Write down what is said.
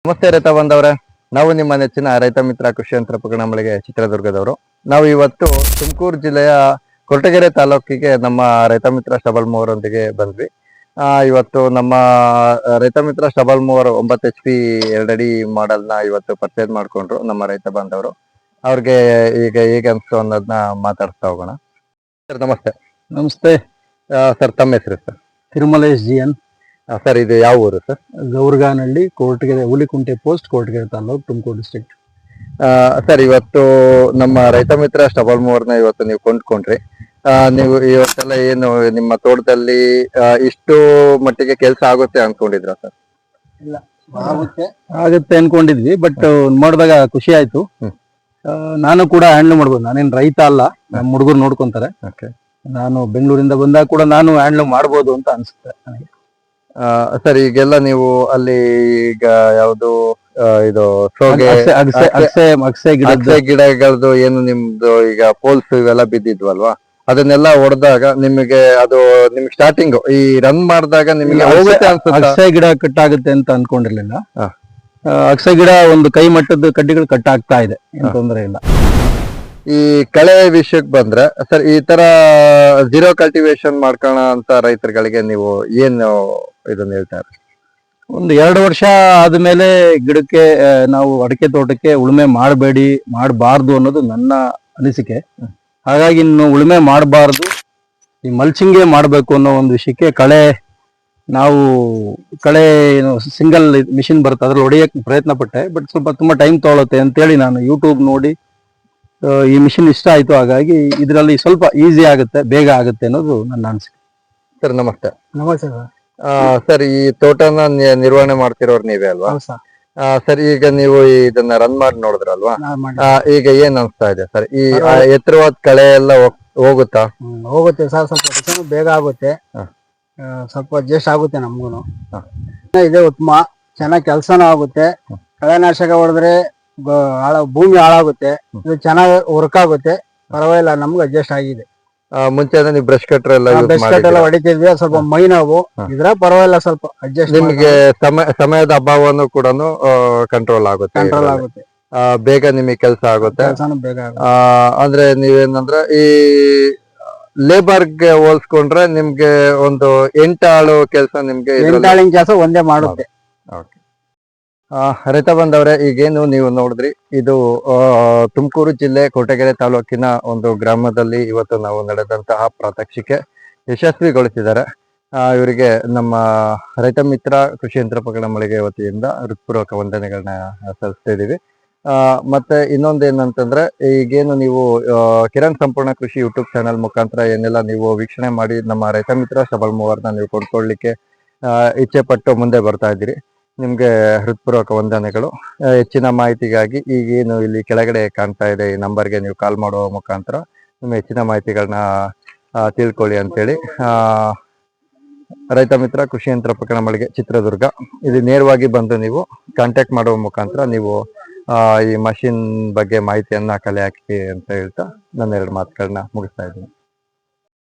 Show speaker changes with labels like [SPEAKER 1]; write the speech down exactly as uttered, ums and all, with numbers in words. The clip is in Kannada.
[SPEAKER 1] ನಮಸ್ತೆ ರೈತ ಬಂದವ್ರೆ, ನಾವು ನಿಮ್ಮ ನೆಚ್ಚಿನ ರೈತ ಮಿತ್ರ ಕೃಷಿ ಯಂತ್ರೋಪಕರಣ ಮಳಿಗೆ ಚಿತ್ರದುರ್ಗದವರು. ನಾವು ಇವತ್ತು ತುಮಕೂರು ಜಿಲ್ಲೆಯ ಕೊರಟಗೆರೆ ತಾಲೂಕಿಗೆ ನಮ್ಮ ರೈತ ಮಿತ್ರ ಸ್ಟಬಲ್ ಮೂವರೊಂದಿಗೆ ಬಂದ್ವಿ. ಆ ಇವತ್ತು ನಮ್ಮ ರೈತ ಮಿತ್ರ ಸ್ಟಬಲ್ ಮೂವರ್ ಒಂಬತ್ತು ಎಚ್ ಪಿ ಎರಡಡಿ ಮಾಡೆಲ್ ನ ಇವತ್ತು ಪರ್ಚೇಸ್ ಮಾಡ್ಕೊಂಡ್ರು ನಮ್ಮ ರೈತ ಬಾಂಧವರು. ಅವ್ರಿಗೆ ಈಗ ಹೇಗೆ ಅನ್ಸ್ತು ಅನ್ನೋದನ್ನ ಮಾತಾಡ್ತಾ ಹೋಗೋಣ. ಸರ್ ನಮಸ್ತೆ.
[SPEAKER 2] ನಮಸ್ತೆ
[SPEAKER 1] ಸರ್, ತಮ್ಮ ಹೆಸರು sir?
[SPEAKER 2] Thirumalesh G N
[SPEAKER 1] sir, ಇದು ಯಾವ ಊರು sir?
[SPEAKER 2] Gowrganahalli, Koratagere, Hulikunte post, Koratagere taluk, Tumakuru district.
[SPEAKER 1] Sir, ಇವತ್ತು ನಮ್ಮ ರೈತ ಮಿತ್ರ ಸ್ಟಬಲ್ ಮೂವರ್ನ ಇವತ್ತು ನೀವು ಕೊಂಡ್ಕೊಂಡ್ರಿ. ನೀವು ಇವತ್ತೆಲ್ಲ ಏನು ನಿಮ್ಮ ತೋಟದಲ್ಲಿ ಇಷ್ಟು ಮಟ್ಟಿಗೆ ಕೆಲಸ ಆಗುತ್ತೆ ಅನ್ಕೊಂಡಿದ್ರ ಸರ್?
[SPEAKER 2] ಇಲ್ಲ, ಆಗುತ್ತೆ ಆಗುತ್ತೆ ಅನ್ಕೊಂಡಿದ್ವಿ, ಬಟ್ ನೋಡಿದಾಗ ಖುಷಿ ಆಯ್ತು. ನಾನು ಕೂಡ ಹ್ಯಾಂಡ್ಲ್ ಮಾಡ್ಬೋದು. ನಾನೇನ್ ರೈತ ಅಲ್ಲ, ನಮ್ಮ ಹುಡುಗರು ನೋಡ್ಕೊಂತಾರೆ. ನಾನು ಬೆಂಗಳೂರಿಂದ ಬಂದಾಗ ಕೂಡ ನಾನು ಹ್ಯಾಂಡ್ಲ್ ಮಾಡ್ಬೋದು ಅಂತ ಅನ್ಸುತ್ತೆ ನನಗೆ.
[SPEAKER 1] ಸರ್, ಈಗೆಲ್ಲ ನೀವು ಅಲ್ಲಿ ಈಗ ಯಾವ್ದು ಇದು ಸೋಗೆ
[SPEAKER 2] ಅಗಸೆ
[SPEAKER 1] ಗಿಡಗಳದ್ದು ಏನು ನಿಮ್ದು ಈಗ ಪೋಲ್ಸ್ ಇವೆಲ್ಲ ಬಿದ್ದಿದ್ವಲ್ವಾ, ಅದನ್ನೆಲ್ಲ ಹೊಡೆದಾಗ ನಿಮಗೆ ಅದು ನಿಮ್ಗೆ ಸ್ಟಾರ್ಟಿಂಗ್ ಈ ರನ್ ಮಾಡಿದಾಗ ನಿಮಗೆ ಹೋಗುತ್ತೆ ಅನ್ಸುತ್ತೆ?
[SPEAKER 2] ಅಗಸೆ ಗಿಡ ಕಟ್ ಆಗುತ್ತೆ ಅಂತ ಅನ್ಕೊಂಡಿರ್ಲಿಲ್ಲ. ಅಗಸೆ ಗಿಡ ಒಂದು ಕೈ ಮಟ್ಟದ ಕಡ್ಡಿಗಳು ಕಟ್ ಆಗ್ತಾ ಇದೆ, ಏನ್ ತೊಂದರೆ ಇಲ್ಲ.
[SPEAKER 1] ಈ ಕಳೆ ವಿಷಯಕ್ಕೆ ಬಂದ್ರೆ ಸರ್, ಈ ತರ ಝೀರೋ ಕಲ್ಟಿವೇಶನ್ ಮಾಡ್ಕೋಣ ಅಂತ ರೈತರುಗಳಿಗೆ ನೀವು ಏನು ಇದನ್ನ ಹೇಳ್ತಾರೆ?
[SPEAKER 2] ಒಂದು ಎರಡು ವರ್ಷ ಆದ್ಮೇಲೆ ಗಿಡಕ್ಕೆ ನಾವು ಅಡಿಕೆ ತೋಟಕ್ಕೆ ಉಳುಮೆ ಮಾಡಬೇಡಿ, ಮಾಡಬಾರ್ದು ಅನ್ನೋದು ನನ್ನ ಅನಿಸಿಕೆ. ಹಾಗಾಗಿ ಇನ್ನು ಉಳುಮೆ ಮಾಡಬಾರ್ದು, ಈ ಮಲ್ಚಿಂಗೇ ಮಾಡಬೇಕು ಅನ್ನೋ ಒಂದು ವಿಷಯಕ್ಕೆ ಕಳೆ ನಾವು ಕಳೆ ಏನು ಸಿಂಗಲ್ ಮಿಷಿನ್ ಬರುತ್ತೆ ಅದ್ರಲ್ಲಿ ಹೊಡೆಯಕ್ಕೆ ಪ್ರಯತ್ನ ಪಟ್ಟೆ. ಬಟ್ ಸ್ವಲ್ಪ ತುಂಬಾ ಟೈಮ್ ತಗೊಳುತ್ತೆ ಅಂತೇಳಿ ನಾನು ಯೂಟ್ಯೂಬ್ ನೋಡಿ ಈ ಮಿಷಿನ್ ಇಷ್ಟ ಆಯ್ತು. ಹಾಗಾಗಿ ಇದರಲ್ಲಿ ಸ್ವಲ್ಪ ಈಸಿ ಆಗುತ್ತೆ, ಬೇಗ ಆಗುತ್ತೆ ಅನ್ನೋದು ನನ್ನ ಅನಿಸಿಕೆ.
[SPEAKER 1] ಸರ್ ನಮಸ್ತೆ.
[SPEAKER 2] ನಮಸ್ತೆ ಸರ್.
[SPEAKER 1] ಸರ್, ಈ ತೋಟನ ನಿರ್ವಹಣೆ ಮಾಡ್ತಿರೋರು ನೀವೇ ಅಲ್ವಾ? ಸರ್, ಈಗ ನೀವು ಇದನ್ನ ರನ್ ಮಾಡಿ ನೋಡಿದ್ರಲ್ವಾ, ಈಗ ಏನ್ ಅನ್ಸ್ತಾ ಇದೆ ಸರ್? ಈ ಎತ್ತರವಾದ ಕಳೆ ಎಲ್ಲ ಹೋಗುತ್ತಾ?
[SPEAKER 2] ಹೋಗುತ್ತೆ ಸರ್, ಸ್ವಲ್ಪ ಬೇಗ ಆಗುತ್ತೆ, ಸ್ವಲ್ಪ ಅಡ್ಜಸ್ಟ್ ಆಗುತ್ತೆ ನಮ್ಗೂನು. ಇದೆ ಉತ್ತಮ, ಚೆನ್ನಾಗಿ ಕೆಲಸನೂ ಆಗುತ್ತೆ. ಕಳೆನಾಶಕ ಹೊಡೆದ್ರೆ ಹಾಳ ಭೂಮಿ ಹಾಳಾಗುತ್ತೆ, ಇದು ಚೆನ್ನಾಗಿ ವರ್ಕ್ ಆಗುತ್ತೆ, ಪರವಾಗಿಲ್ಲ, ನಮ್ಗೆ ಅಡ್ಜಸ್ಟ್ ಆಗಿದೆ.
[SPEAKER 1] ಮುಂಚೆ ನೀವು ಬ್ರಷ್ ಕಟ್ರ್ ಎಲ್ಲ
[SPEAKER 2] ಬ್ರಷ್ ಕಟ್ ಎಲ್ಲ ಹೊಡಿತಿದ್ವಿ, ಸ್ವಲ್ಪ ಮೈ ನೋವು, ಇದ್ರ ಪರವಾಗಿಲ್ಲ, ಸ್ವಲ್ಪ ಅಡ್ಜಸ್ಟ್.
[SPEAKER 1] ನಿಮ್ಗೆ ಸಮಯ ಸಮಯದ ಅಭಾವನು ಕೂಡ ಕಂಟ್ರೋಲ್ ಆಗುತ್ತೆ,
[SPEAKER 2] ಕಂಟ್ರೋಲ್ ಆಗುತ್ತೆ,
[SPEAKER 1] ಬೇಗ ನಿಮಗೆ ಕೆಲಸ ಆಗುತ್ತೆ.
[SPEAKER 2] ಬೇಗ
[SPEAKER 1] ಅಂದ್ರೆ ನೀವೇನಂದ್ರೆ ಈ ಲೇಬರ್ಗೆ ಹೋಲ್ಸ್ಕೊಂಡ್ರೆ ನಿಮ್ಗೆ ಒಂದು ಎಂಟಾಳು ಕೆಲಸ ನಿಮ್ಗೆ
[SPEAKER 2] ಎಂಟಾಳಿನ ಕೆಲಸ ಒಂದೇ ಮಾಡುತ್ತೆ.
[SPEAKER 1] ರೈತ ಬಂದವ್ರೆ, ಈಗೇನು ನೀವು ನೋಡಿದ್ರಿ, ಇದು ತುಮಕೂರು ಜಿಲ್ಲೆ ಕೊರಟಗೆರೆ ತಾಲೂಕಿನ ಒಂದು ಗ್ರಾಮದಲ್ಲಿ ಇವತ್ತು ನಾವು ನಡೆದಂತಹ ಪ್ರಾತ್ಯಕ್ಷಿಕೆ ಯಶಸ್ವಿಗೊಳಿಸಿದ್ದಾರೆ. ಇವರಿಗೆ ನಮ್ಮ ರೈತ ಮಿತ್ರ ಕೃಷಿ ಯಂತ್ರೋಪಕರಣ ಮಳಿಗೆ ವತಿಯಿಂದ ಹೃತ್ಪೂರ್ವಕ ವಂದನೆಗಳನ್ನ ಸಲ್ಲಿಸ್ತಾ ಇದೀವಿ. ಆ ಮತ್ತೆ ಇನ್ನೊಂದೇನಂತಂದ್ರೆ, ಈಗೇನು ನೀವು ಕಿರಣ್ ಸಂಪೂರ್ಣ ಕೃಷಿ ಯೂಟ್ಯೂಬ್ ಚಾನಲ್ ಮುಖಾಂತರ ಏನೆಲ್ಲ ನೀವು ವೀಕ್ಷಣೆ ಮಾಡಿ ನಮ್ಮ ರೈತ ಮಿತ್ರ ಸ್ಟಬಲ್ ಮೂವರ್ನ ನೀವು ಕೊಂಡ್ಕೊಳ್ಳಿಕ್ಕೆ ಇಚ್ಛೆ ಪಟ್ಟು ಮುಂದೆ ಬರ್ತಾ ಇದ್ದೀರಿ, ನಿಮ್ಗೆ ಹೃತ್ಪೂರ್ವಕ ವಂದನೆಗಳು. ಹೆಚ್ಚಿನ ಮಾಹಿತಿಗಾಗಿ ಈಗೇನು ಇಲ್ಲಿ ಕೆಳಗಡೆ ಕಾಣ್ತಾ ಇದೆ ಈ ನಂಬರ್ಗೆ ನೀವು ಕಾಲ್ ಮಾಡುವ ಮುಖಾಂತರ ನಿಮ್ಮ ಹೆಚ್ಚಿನ ಮಾಹಿತಿಗಳನ್ನ ತಿಳ್ಕೊಳ್ಳಿ ಅಂತೇಳಿ ಆ ರೈತ ಮಿತ್ರ ಕೃಷಿ ಯಂತ್ರೋಪಕರಣ ಮಳಿಗೆ ಚಿತ್ರದುರ್ಗ, ಇದು ನೇರವಾಗಿ ಬಂದು ನೀವು ಕಾಂಟ್ಯಾಕ್ಟ್ ಮಾಡುವ ಮುಖಾಂತರ ನೀವು ಆ ಈ ಮಷಿನ್ ಬಗ್ಗೆ ಮಾಹಿತಿಯನ್ನ ಕಲೆ ಹಾಕಿ ಅಂತ ಹೇಳ್ತಾ ನನ್ನ ಎರಡು ಮಾತುಗಳನ್ನ ಮುಗಿಸ್ತಾ ಇದ್ದೀನಿ.